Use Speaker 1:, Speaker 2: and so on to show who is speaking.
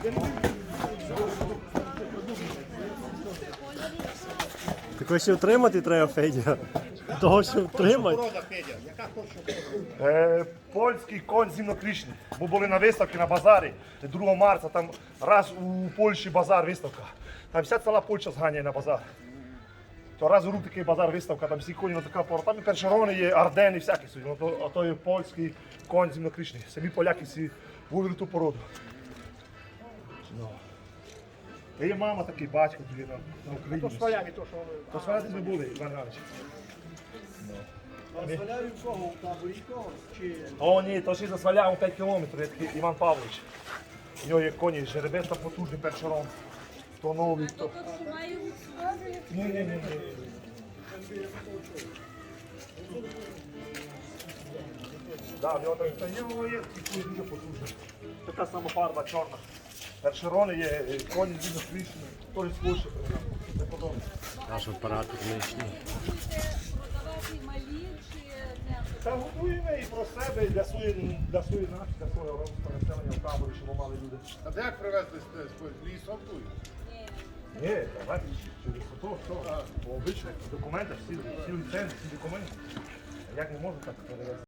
Speaker 1: Так ось втримати треба, Федя. Того, що втримати.
Speaker 2: Польський конь зімнокришний. Ми були на виставці на базарі 2 марта, там раз у Польщі базар виставка. Там вся ціла Польща зганяє на базар. То раз у рук такий базар виставка, там всі коні на така пора. Там і першерони є, Ардени, всякі собі. А то є польський конь зімнокришний. Самі поляки всі вивели ту породу. Та є мама такий, батько тобі на Україні.
Speaker 3: То своями, то що вони.
Speaker 2: То сваляти ми були, Іван Іванович.
Speaker 3: А сваляю кого? У таборі кого? Чи...
Speaker 2: О, ні, то ще засваляв 5 кілометрів, є такий Іван Павлович. У нього є коні, жеребець там потужний першерон. То новий, то... Ні. Да, в нього так, та є такий дуже потужний. Така сама фарба чорна. Першерони є, коні дуже свічні, теж з Польщі. Не подобається.
Speaker 1: Наш апарат нинішній.
Speaker 4: Продавати малі чи не?
Speaker 2: Та готуємо і про себе, і для своєї нації, для свого розвитку населення в таборі, щоб мали люди.
Speaker 5: А як привезли з лісом тут?
Speaker 2: Ні, давайте через фото, все. По обичних документах, всі ліцензії, всі документи. Як не можу так перевезти?